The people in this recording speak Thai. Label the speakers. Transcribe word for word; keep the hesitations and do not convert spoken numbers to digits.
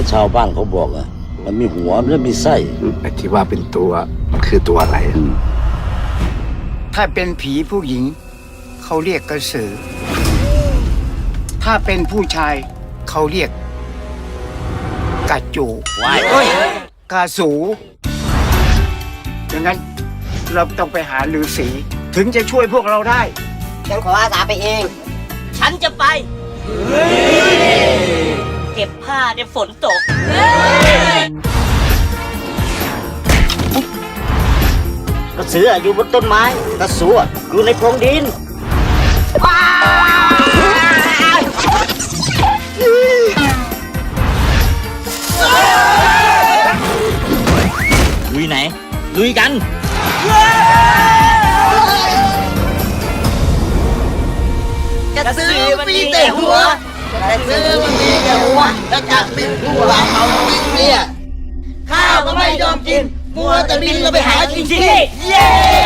Speaker 1: ชาวบ้านเขาบอกอะมันมีหัวมันมีไส้
Speaker 2: ไอ้ที่ว่าเป็นตัวมันคือตัวอะไร
Speaker 3: ถ้าเป็นผีผู้หญิงเขาเรียกกระสือ ถ้าเป็นผู้ชายเขาเรียกกระจู
Speaker 1: ว้าย
Speaker 3: เอ้ยกระสูดังนั้นเราต้องไปหาฤาษีถึงจะช่วยพวกเราได้
Speaker 4: ฉันขออาสาไปเอง
Speaker 5: ฉันจะไป เก็บผ้าในฝนตก
Speaker 4: กระสืออยู่บนต้นไม้กระสูอยู่ในโพรงดิน
Speaker 5: ลุยไหน ลุยกัน
Speaker 4: กระสือมันมีแต่หัวกระสือมันมีแต่หัวแล้วจากบินหัวเขาบินเนี่ยข้าวก็ไม่ยอมกินมัวแต่บินเราไปหากินที่นี่เย้